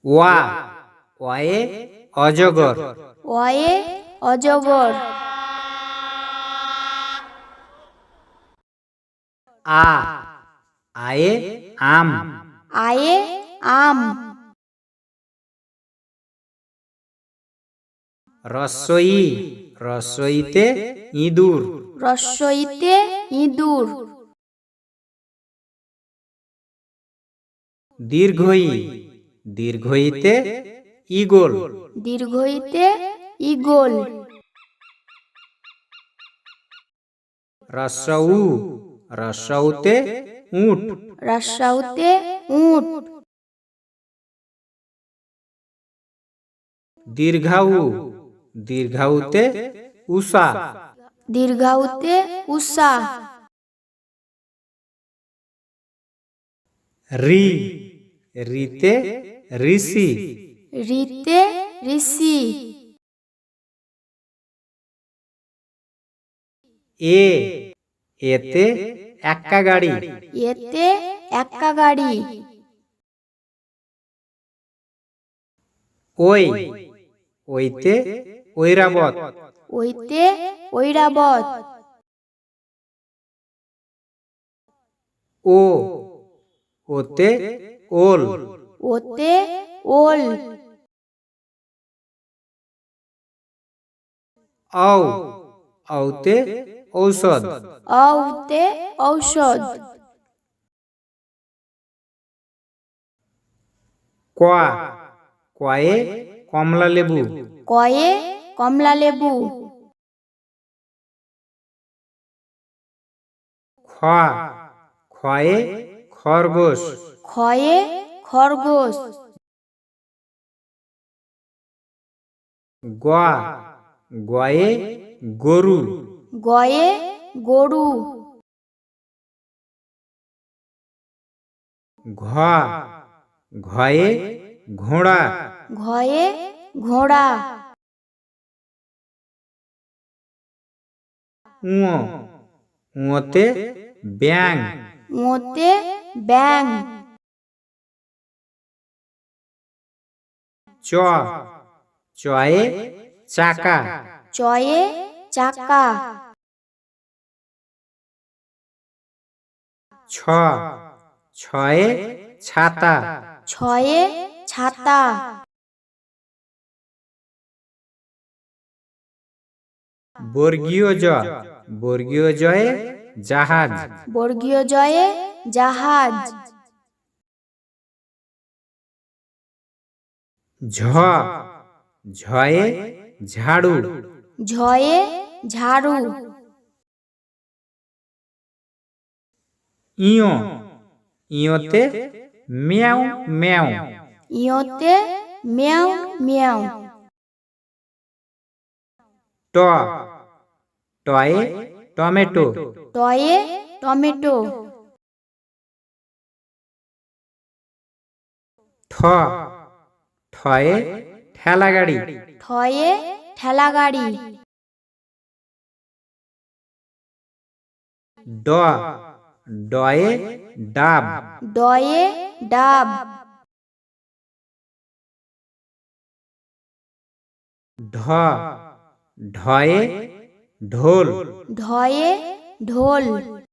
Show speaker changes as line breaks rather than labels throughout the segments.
ওয়া, ওয়ায়ে অজগর।
ওয়ে অজগর।
আ, আয়ে আম।
আয়ে আম।
রস্বই, রস্বইতে ইঁদুর।
রস্বইতে ইঁদুর।
দীর্ঘই, দীর্ঘইতে ঈগল।
দীর্ঘইতে ঈগল।
রস্বউ, রস্বউতে উট।
রস্বউতে উট।
দীর্ঘাউ, দীর্ঘাউতে উষা।
দীর্ঘাউতে উষা।
রি, রিতে ঋষি।
রিতে ঋষি।
এ, এতে এক্কা গাড়ি।
এতে এক্কা গাড়ি।
ওই, ওইতে ঐরাবত।
ওইতে ঐরাবত।
ও, ওতে ওল।
ওতে ওল।
ঔ, ঔতে ঔষধ।
ঔতে ঔষধ।
কোয়া, কোয়ায়ে কমলা লেবু।
কয়ে কমলা লেবু।
খোয়া, খোয়ায়ে খরগোশ।
খয়ে খরগোশ।
গোয়া, গোয়ায়ে গরু।
গয়ে গরু।
ঘ, ঘয়ে ঘোড়া।
ঘয়ে ঘোড়া।
উঁ, উঁতে ব্যাং।
ওতে ব্যাং।
চ, চয়ে চাকা।
চয়ে চাকা।
ছ, ছয়ে ছাতা।
ছয়ে ছাতা।
বর্গীয় জ, বর্গীয় জয়ে জাহাজ।
বর্গীয় জয়ে জাহাজ।
ঝ, ঝয়ে ঝাড়ু।
ঝয়ে ঝাড়ু।
ইয়, ইয়তে ম্যাও ম্যাও।
ইয়তে ম্যাও ম্যাও।
ট, টয়ে টমেটো।
টয়ে টমেটো।
ঠ, ঠয়ে ঠেলা গাড়ি।
ঠয়ে ঠেলা গাড়ি।
ড, ডয়ে ডাব।
ডয়ে ডাব।
ঢ, ঢয়ে ঢোল।
ঢয়ে ঢোল।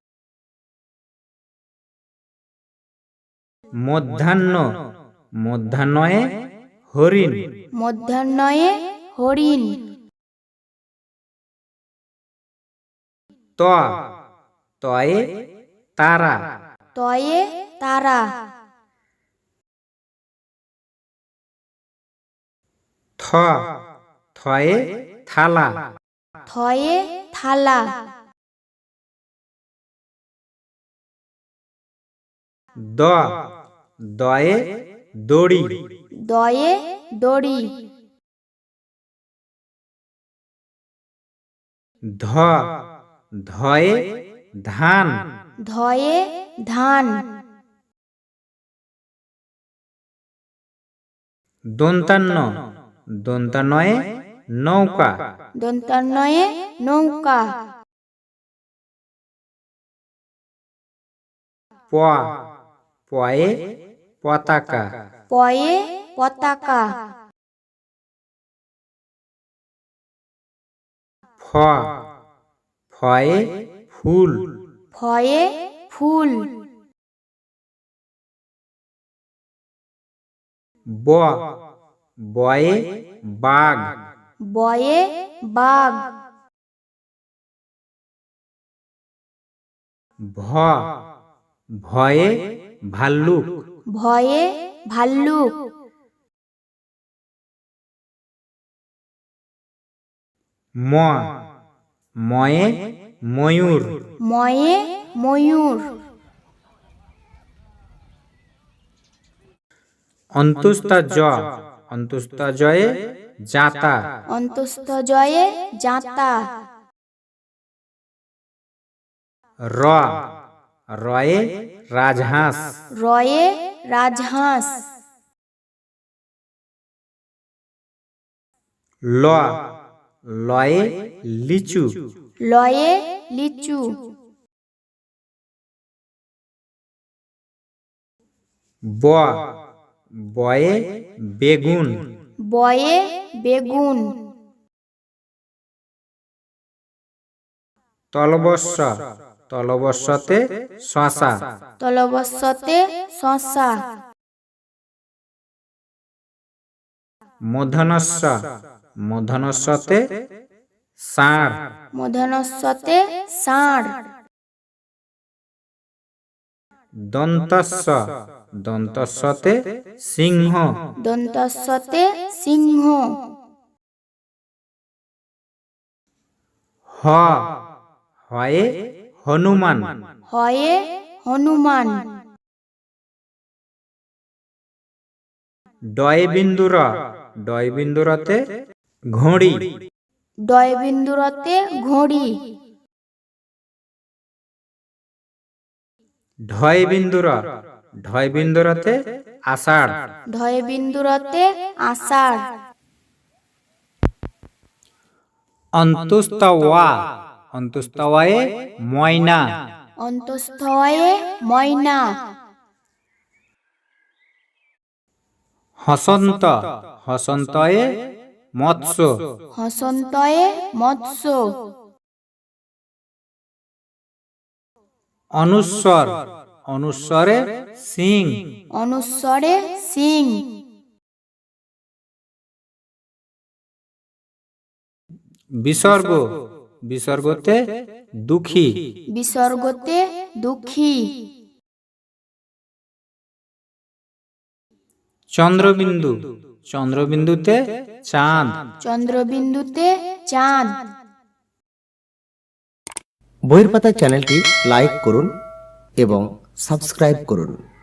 মধ্যাহ্ন, মধ্যাহ্নয়ে হরিণ।
মধ্যাহ্নয়ে হরিণ।
ত, তয়ে তারা।
তয়ে তারা।
থ, থয়ে থালা।
থয়ে থালা।
দ, দয়ে দড়ি।
দয়ে দড়ি।
ধ, ধয়ে ধান।
ধয়ে ধান।
দন্তান্ন, দন্তান্নয়ে নৌকা।
দন্তান্নয়ে নৌকা। প,
পয়ে পতাকা।
পয়ে পতাকা।
ফ ফয়ে ফুল।
ফয়ে ফুল।
ব বয়ে বাঘ।
বয়ে বাঘ।
ভ ভয়ে ভাল্লুক।
ভয়ে ভাল্লুক।
ম ময়ে ময়ূর।
ময়ে ময়ূর।
অন্তুস্তা জ অন্তুস্তা জয়ে জাতা।
অন্তস্থ জয়ে জাতা।
র রয়ে রাজহাঁস।
রয়ে রাজহাঁস।
ল লয়ে লিচু।
লয়ে লিচু।
ব বয়ে বেগুন।
বয়ে বেগুন।
তলবস্য তলবস্যতে শশা।
তলবস্যতে শশা।
মূর্ধনস্য মূর্ধনস্যতে ষাঁড়।
মূর্ধন্যস্যতে ষাঁড়।
দন্তস্য দন্তস্যতে সিংহ।
দন্তস্যতে সিংহ।
হ হয়ে হনুমান।
হয়ে হনুমান।
ডয় বিন্দুর ডয় বিন্দুরতে ঘড়ি।
ডয় বিন্দুরতে ঘড়ি।
ঢয় বিন্দুর ঢয় বিন্দুরতে আষাঢ়।
ঢয় বিন্দুরতে আষাঢ়।
অন্তুস্তওয়া অন্তুস্তওয়ে ময়না।
অন্তস্থয়ে ময়না।
হসন্ত হসন্তয়ে মৎস্য।
হসন্তয়ে মৎস্য।
অনুস্বর অনুস্বরে সিং।
অনুস্বরে সিং।
বিসর্গ বিসর্গতে দুঃখী।
বিসর্গতে দুঃখী।
চন্দ্রবিন্দু চন্দ্রবিন্দুতে চাঁদ।
চন্দ্রবিন্দুতে চাঁদ।
বইয়ের পাতা চ্যানেলটি লাইক করুন এবং সাবস্ক্রাইব করুন।